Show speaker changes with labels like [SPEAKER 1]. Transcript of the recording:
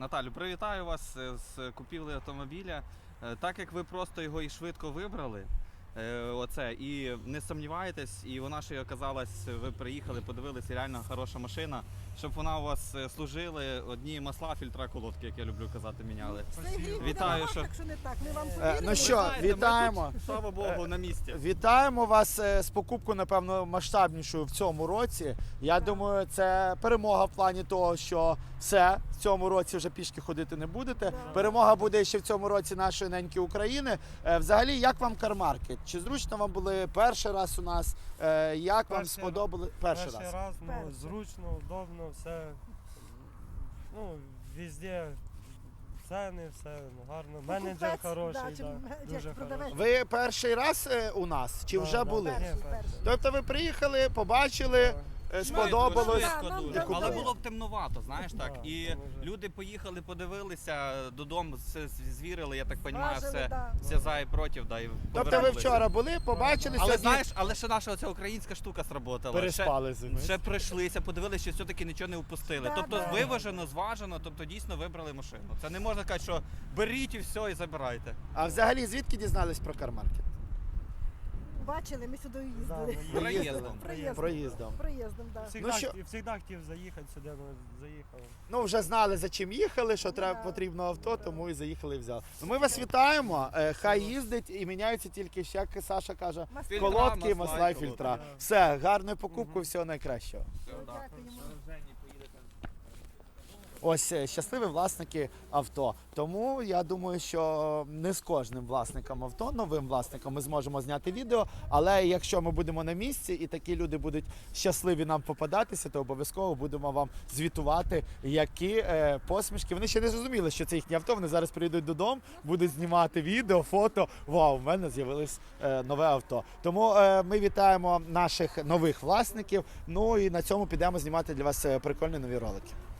[SPEAKER 1] Наталю, привітаю вас з купівлею автомобіля. Так як ви просто його і швидко вибрали, і не сумніваєтесь, і вона ще й оказалась, ви приїхали, подивилися, реально хороша машина, щоб вона у вас служила, одні масла, фільтра, колодки, як я люблю казати, міняли. Вітаю, що...
[SPEAKER 2] Ну що, вітаємо.
[SPEAKER 1] Тут, слава Богу, на місці.
[SPEAKER 2] Вітаємо вас з покупкою, напевно, масштабнішою в цьому році. Я думаю, це перемога в плані того, що все, в цьому році вже пішки ходити не будете. Перемога буде ще в цьому році нашої неньки України. Взагалі, як вам кармаркет? Чи зручно вам були перший раз у нас? Як вам сподобали перший раз?
[SPEAKER 3] Перший раз, ну, зручно, удобно, все, ну, везде ціни, все гарно. Менеджер хороший, дуже хороший.
[SPEAKER 2] Ви перший раз у нас? Чи вже були?
[SPEAKER 3] Ні, перший.
[SPEAKER 2] Тобто ви приїхали, побачили, сподобалось?
[SPEAKER 1] Швидко дуже.
[SPEAKER 2] купили.
[SPEAKER 1] Але було б темновато, знаєш, так.
[SPEAKER 3] Да,
[SPEAKER 1] І
[SPEAKER 3] це може.
[SPEAKER 1] люди поїхали, подивилися, додому все звірили, я так розумію,
[SPEAKER 4] Важили,
[SPEAKER 1] все за і проти, і
[SPEAKER 2] Тобто ви
[SPEAKER 1] повернулися.
[SPEAKER 2] вчора були, побачили,
[SPEAKER 1] Але
[SPEAKER 2] сьогодні
[SPEAKER 1] знаєш, але ще наша оця українська штука сработала.
[SPEAKER 2] переспали з ними.
[SPEAKER 1] Ще прийшлися, подивилися, що все-таки нічого не упустили.
[SPEAKER 4] Да,
[SPEAKER 1] Тобто
[SPEAKER 4] да.
[SPEAKER 1] виважено, зважено, тобто дійсно вибрали машину. Це не можна казати, що беріть і все, і забирайте.
[SPEAKER 2] А взагалі звідки дізнались про кармаркет?
[SPEAKER 4] Бачили, ми сюди
[SPEAKER 3] Да,
[SPEAKER 4] їздили.
[SPEAKER 3] ми
[SPEAKER 1] Проїздом.
[SPEAKER 2] Проїздом.
[SPEAKER 4] Проїздом, так.
[SPEAKER 2] Ну, що-
[SPEAKER 3] Всегда хотів заїхати сюди, ну, заїхав.
[SPEAKER 2] Ну, вже знали, за чим їхали, що треба
[SPEAKER 4] Да.
[SPEAKER 2] потрібно авто, тому і заїхали і взяли. Ну, ми вас вітаємо. Хай їздить і міняються тільки, як Саша каже,
[SPEAKER 1] Фільтра,
[SPEAKER 2] колодки,
[SPEAKER 1] масла
[SPEAKER 2] масла
[SPEAKER 1] і
[SPEAKER 2] і фільтра.
[SPEAKER 3] колодки.
[SPEAKER 2] Все, гарної покупки, всього найкращого.
[SPEAKER 4] Дякуємо.
[SPEAKER 2] Ось щасливі власники авто. Тому я думаю, що не з кожним власником авто, новим власником, ми зможемо зняти відео. Але якщо ми будемо на місці і такі люди будуть щасливі нам попадатися, то обов'язково будемо вам звітувати, які посмішки. Вони ще не зрозуміли, що це їхнє авто. Вони зараз прийдуть додому, будуть знімати відео, фото. Вау, в мене з'явилось нове авто. Тому ми вітаємо наших нових власників. Ну і на цьому підемо знімати для вас прикольні нові ролики.